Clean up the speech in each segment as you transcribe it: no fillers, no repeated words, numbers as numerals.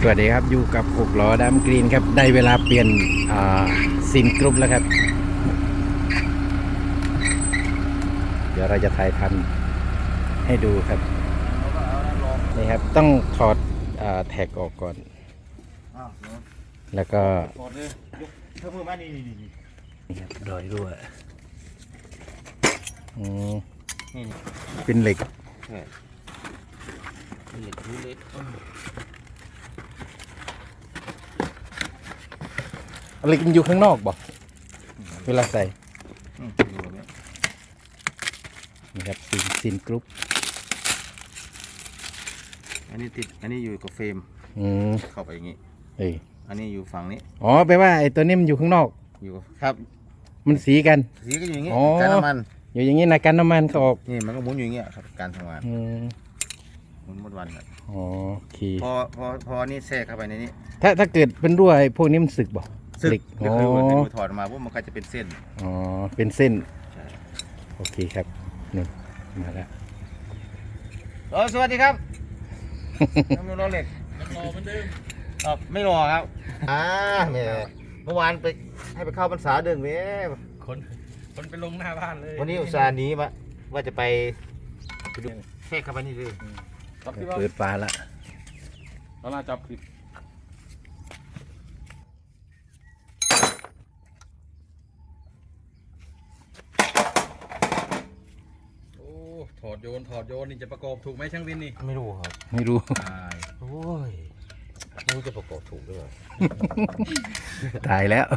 สวัสดีครับอยู่กับ6ล้อดำกรีนครับได้เวลาเปลี่ยนซิมกรุ๊ปแล้วครับเดี๋ยวเราจะถ่ายทำให้ดูครับนี่ครับต้องถอดแท็กออกก่อนแล้วก็ถอดเลยยกเพิ่มมานี่ครับรอยรั่วนี่เป็นเหล็กเหล็กรูเล็กเหล็กมันอยู่ข้างนอกบ่เวลาใส่นี่ครับซิมกรุ๊ปอันนี้ติดอันนี้อยู่กับเฟรมเข้าไปอย่างนี้อันนี้อยู่ฝั่งนี้อ๋อแปลว่าไอ้ตัวนี้มันอยู่ข้างนอกอยู่ครับมันสีกันสีก็อยู่อย่างนี้การน้ำมันอยู่อย่างนี้นะกันน้ำมันเขาออกนี่มันก็หมุนอยู่อย่างเงี้ยครับการทำงานหมุนหมดวันครับอ๋อโอเคพอนี่แทรกเข้าไปในนี้ถ้าเกิดเป็นรั่วไอ้พวกนี้มันสึกบ่สึกก็คือถอดมาพวกมันก็จะเป็นเส้นอ๋อเป็นเส้นโอเคครับนี่มาแล้วสวัสดีครับน้ำมันรอเหล็กยังรอเหมือนเดิมไม่รอครับเมื่อวานไปให้ไปเข้าพรรษาเดินคนไปลงหน้าบ้านเลยวันนี้อุตส่าห์หนีมาว่าจะไปดูแทรกเข้าไปนี่เลยเปิดฟ้าละเราน่าจับผิดถอดโยนนี่จะประกอบถูกไหมช่างวินนี่ไม่รู้ครับไม่รู้โอ้ยไม่รู้จะประกอบถูกหรือเปล่าตายแล้ว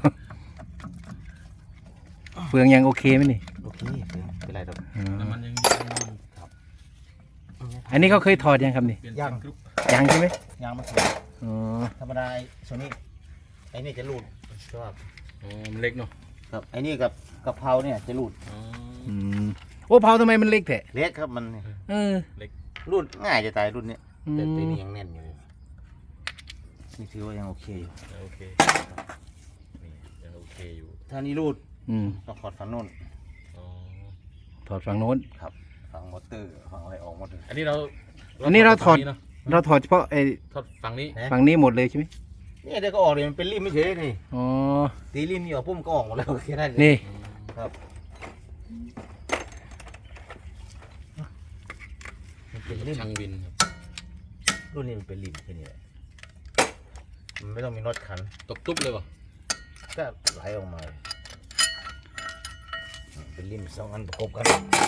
เฟืองยังโอเคไหมนี่โอเคเป็นไรครับน้ำมันยังครับอันนี้เขาเคยถอดยังครับนี่ยังใช่ไหมยังมาถูกธรรมดาส่วนนี้ไอ้นี่จะหลุดใช่ป่ะมันเล็กเนาะครับไอ้นี่กับกะเพราเนี่ยจะหลุดโอ้เผาทำไมมันเล็กแท้เล็กครับมันเล็กรุ่นง่ายจะตายรุ่นนี้แต่ตัวนี้ยังแน่นอยู่นี่ถือว่ายังโอเคอยู่โอเคนี่ยังโอเคอยู่ถ้านี่รูดต้องถอดฝั่งโน้นถอดฝั่งโน้นครับฝั่งมอเตอร์ฝั่งอะไรออกหมดเลยอันนี้เราถอดเฉพาะไอ้ถอดฝั่งนี้หมดเลยใช่ไหมนี่เดี๋ยวก็ออกเลยมันเป็นริมไม่เฉยนี่ตีริมนี่ออกปุ๊บก็ออกหมดแล้วแค่นั้นนี่ครับเป็นช่างวินรุ่นนี้มันเป็นริมแค่นี้แหละมันไม่ต้องมีน็อตขันตบตุ๊บเลยวะก็ไหลออกมาเป็นริมสองอันประกบกัน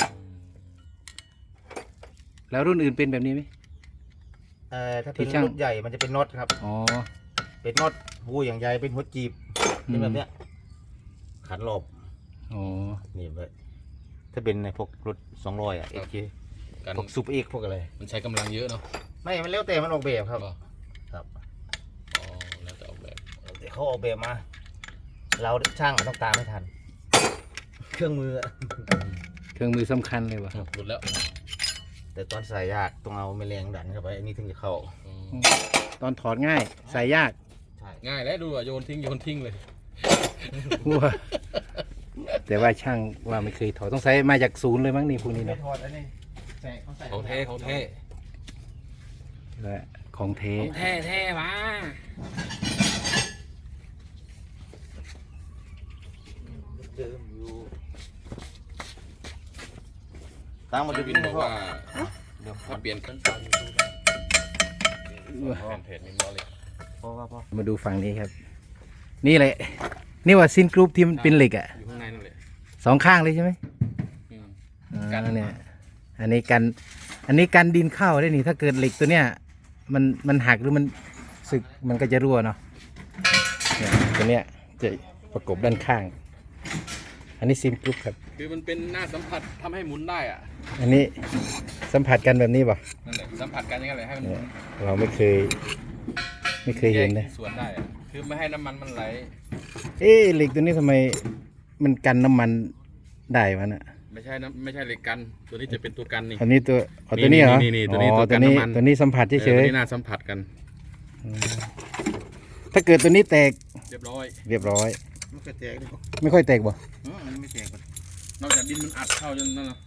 แล้วรุ่นอื่นเป็นแบบนี้ไหมถ้าเป็นรุ่นใหญ่มันจะเป็นน็อตครับเป็นน็อตหูอย่างใหญ่เป็นหัวจีบเป็นแบบเนี้ยขันรอบนี่เลยถ้าเป็นในพวกรถ200เอ็กเคพวกซูเปอร์เอ็กพวกอะไรมันใช้กำลังเยอะเนาะไม่มันแล้วแต่มันออกแบบครับครับแล้วแต่ออกแบบเขาออกแบบมาเราช่างต้องตามไม่ทันเครื่องมือสำคัญเลยวะหลุดแล้วแต่ตอนใส่ยากต้องเอาแมลงดันเข้าไปอันนี้ถึงจะเข้าตอนถอดง่ายใส่ยากง่ายแล้วดูโยนทิ้งเลยแต่ว่าช่างว่าไม่เคยถอดต้องใส่มาจากศูนย์เลยมั้งนี่พวกนี้เนาะของแท้ของแท้มาเดิมอยู่ตั้งมาดูวินบอกว่าเดี๋ยวเปลี่ยนขั้นตอนเพจมินบอลเลยมาดูฝั่งนี้ครับนี่แหละนี่ว่าซินกรุ๊ปที่มันเป็นเหล็กอ่ะอยู่ข้างในนั่นแหละสองข้างเลยใช่ไหมกันเนี่ยอันนี้กันดินเข้าได้นี่ถ้าเกิดเหล็กตัวเนี้ยมันหักหรือมันสึกมันก็จะรั่วเนาะเนี่ยตัวเนี้ยจะประกบด้านข้างอันนี้ซิมกรุ๊ปครับคือมันเป็นหน้าสัมผัสทำให้หมุนได้อ่ะอันนี้สัมผัสกันแบบนี้ป่ะนั่นแหละสัมผัสกันยังไงเลยให้มันเราไม่เคยเห็นเลยส่วนได้คือไม่ให้น้ำมันไหลเหล็กตัวนี้ทำไมมันกันน้ำมันได้วะน่ะไม่ใช่เหล็กกันตัวนี้จะเป็นตัวกันนี่อันนี้ตัวนี้เหรอนี่ตัวนี้ตัวกันน้ำมันตัวนี้สัมผัสเฉยๆตัวนี้น่าสัมผัสกันถ้าเกิดตัวนี้แตกเรียบร้อยไม่ค่อยแตกไม่ค่อยแตกบ่ไม่แตกนอกจากดินมันอัดเข้าจนนั่นนะ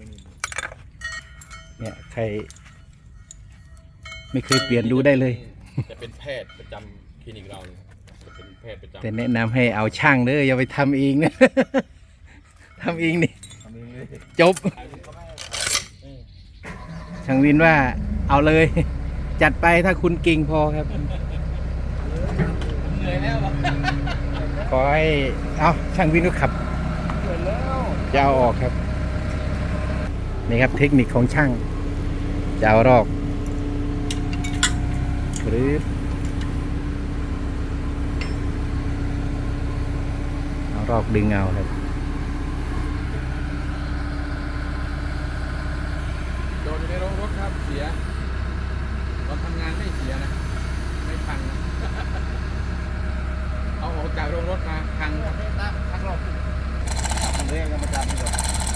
เนี่ยใครไม่เคยเปลี่ยนดูได้เลยจะเป็นแพทย์ประจำคลินิกเราเลยจะเป็นแพทย์ประจำแต่แนะนำให้เอาช่างเด้ออย่าไปทำเองนะ ทำเองนี่จบ ช่างวินว่าเอาเลย จัดไปถ้าคุณเก่งพอครับเหนื่อยแล้วขอให้เอาช่างวินก็ขับจะเอาออกครับ นี่ครับเทคนิคของช่างจะเอารอกหรือเอารอกดึงเอาครับโดนอยู่ในโรงรถครับเสียตอนทำงานไม่เสียนะไม่พังนะ เอาออกจากโรงรถมาพังครับทักรอบเรื่องยังมาจำดีกว่า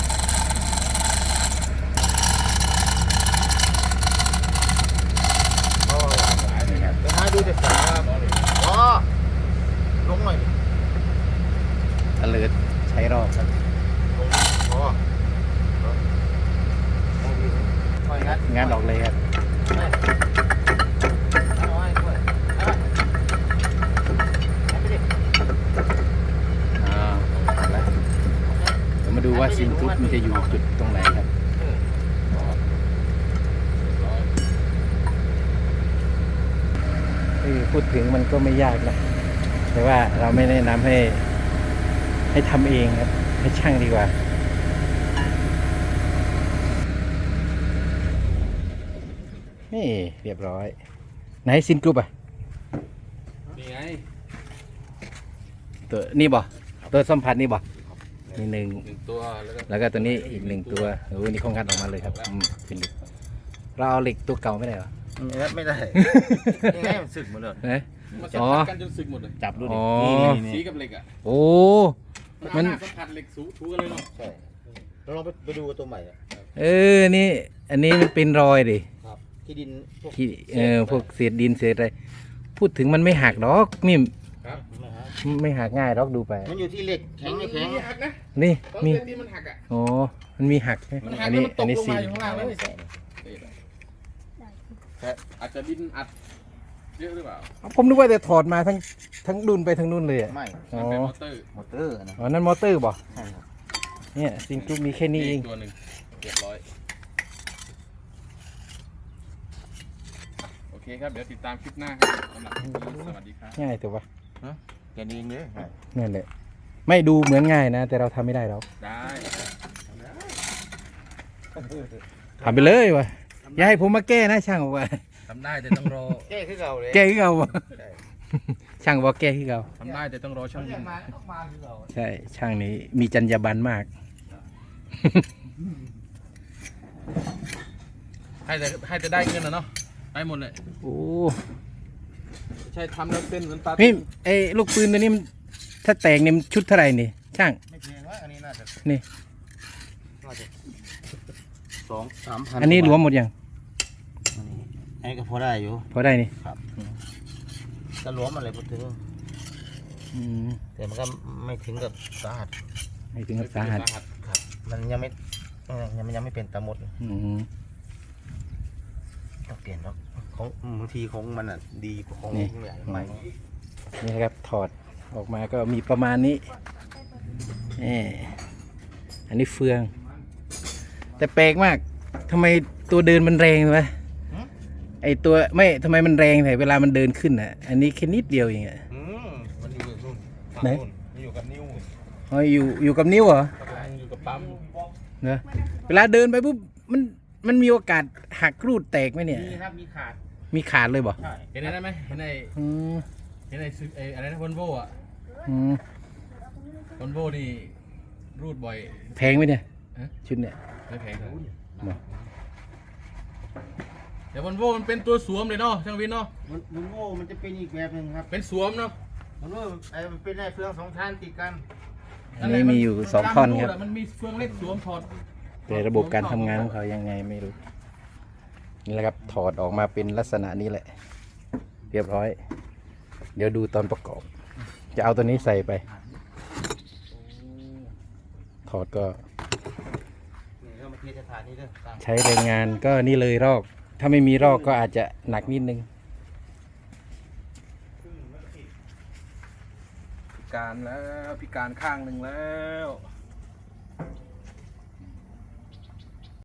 โอ้หลากหลายเลยครับเดี๋ยวให้ดูเด็กสาวครับอ๋อลงหน่อยดิอเลิดใช้รอกครับลงอ๋อค่อยงัดงานออกเลยครับเอาไว้ค่อยเอาไปดิเอาละเดี๋ยวมาดูว่าซิงครุปมันจะอยู่จุดตรงไหนครับพูดถึงมันก็ไม่ยากนะ แต่ว่าเราไม่แนะนำให้ทำเองครับ ให้ช่างดีกว่า นี่เรียบร้อย ไหนซินกรุ๊ปอ่ะนี่ไงตัวนี่บ่ตัวสัมผัสนี่บ่มีหนึ่ง 1 ตัวแล้วก็แล้วก็ตัวนี้อีกหนึ่งตัวโอ้ยนี่เขางัดออกมาเลยครับเป็นเหล็กเราเอาเหล็กตัวเก่าไม่ได้เหรอไม่ได้ยังไงมันสึกหมดเลยเอ๊ะมันสัมผัสกันจนสึกหมดเลยจับดูดิอ๋อสีกับเหล็กอ่ะโอ้ มันสัมผัสเหล็กสูถูกันเลยเนาะใช่เราลองไปดูตัวใหม่อะเออนี่ อันนี้มันเป็นรอยดิครับที่ดินพวกที่พวกเศษดินเศษอะไรพูดถึงมันไม่หักหรอกนี่ครับไม่หักง่ายหรอกดูไปมันอยู่ที่เหล็กแข็งไม่แข็งมีหักนะนี่ตอนมีเส้นนี้มันหักอ่ะอ๋อมันมีหักใช่ไหมมันหัอักนแล้วนี้มันตอักนนี้ลงสีมาอยู่ข้างล่างเลยอาจจะดินอัดเยอะหรือเปล่าผมนึกว่าจะถอดมาทั้งดุนไปทั้งนู่นเลยอ่ะไม่อ๋อมันเป็นมอเตอร์มอเตอร์นะอ๋อนั่นมอเตอร์บ่ใช่ครับเนี่ยซิงครุปมีแค่นี้เองตัวหนึ่งเรียบร้อยโอเคครับเดี๋ยวติดตามคลิปหน้าครับสำหรับคลิปนี้สวัสดีครับง่ายแต่ว่าแกนเองเลยนั่นแหละไม่ดูเหมือนง่ายนะ แต่เราทำไม่ได้หรอกได้ทำไปเลยวะอย่าให้ผมมาแก้นะช่างบอกว่าทำได้แต่ต้องรอแก้ขึ้นเก่าเลยแก้ที่เราบ่ช่างบอกแก้ที่เราทำได้แต่ต้องรอช่างยิงมาขึ้นเก่าใช่ช่างนี้มีจรรยาบรรณมากให้แต่ได้เงินนะเนาะได้หมดเลยโอ้ใช่ทำแล้วเส้นเหมือนปลานี่ไอ้ลูกปืนตัวนี้มันถ้าแตกเนี่ยมันชุดเท่าไหร่นี่ช่างไม่แพงว่าอันนี้น่าจะนี่ 2-3 พันอันนี้รวมหมดยังอันนี้ก็พอได้อยู่พอได้นี่จะรวมอะไรพูดถึงอืมแต่มันก็ไม่ถึงกับสาหัสให้ถึงกับสาหัสครับ มันยังไม่ยังไม่เป็นตาหมดอืมต้องเปลี่ยนแล้วของบางทีของมันอ่ะดีกว่าของนี่ใหญ่ใหม่นี่นะครับถอดออกมาก็มีประมาณนี้อันนี้เฟือง แต่แปลกมากทำไมตัวเดินมันแรงวะไอตัวไม่ทำไมมันแรงแต่เวลามันเดินขึ้นอ่ะ อันนี้แค่นิดเดียวเองอ่ะมันอยู่กับนู่นไหนมันอยู่กับนิ้วอ๋ออยู่กับนิ้วเหรออยู่กับปั๊มเนอะเวลาเดินไปปุ๊บมันมีโอกาสหักรูดแตกไหมเนี่ยมีครับมีขาดมีขาดเลยบ่ใช่เห็นได้ไหมเห็นในอืมเห็นในอะไรนะวอลโว่อะอืมวอลโว่นี่รูดบ่อยแพงไหมเนี่ยฮะชุดเนี่ยไม่แพงครับบ่แต่วอลโว่มันเป็นตัวสวมเลยเนาะช่างวินเนาะมันโง่มันจะเป็นอีกแบบหนึ่งครับเป็นสวมเนาะมันโง่มันเป็นไอ้เฟือง2 ชั้นติดกันอันนี้มีอยู่2ท่อนครับมันมีเฟืองเล็กสวมถอดแต่ระบบการทำงานของเขายังไงไม่รู้ นี่แหละครับถอดออกมาเป็นลักษณะนี้แหละ เรียบร้อย เดี๋ยวดูตอนประกอบ จะเอาตัวนี้ใส่ไป ถอดก็นี่เรามาเทสถานนี้เด้อตั้งใช้แรงงานก็นี่เลยรอก ถ้าไม่มีรอกก็อาจจะหนักนิดนึงการแล้วพิการข้างหนึ่งแล้ว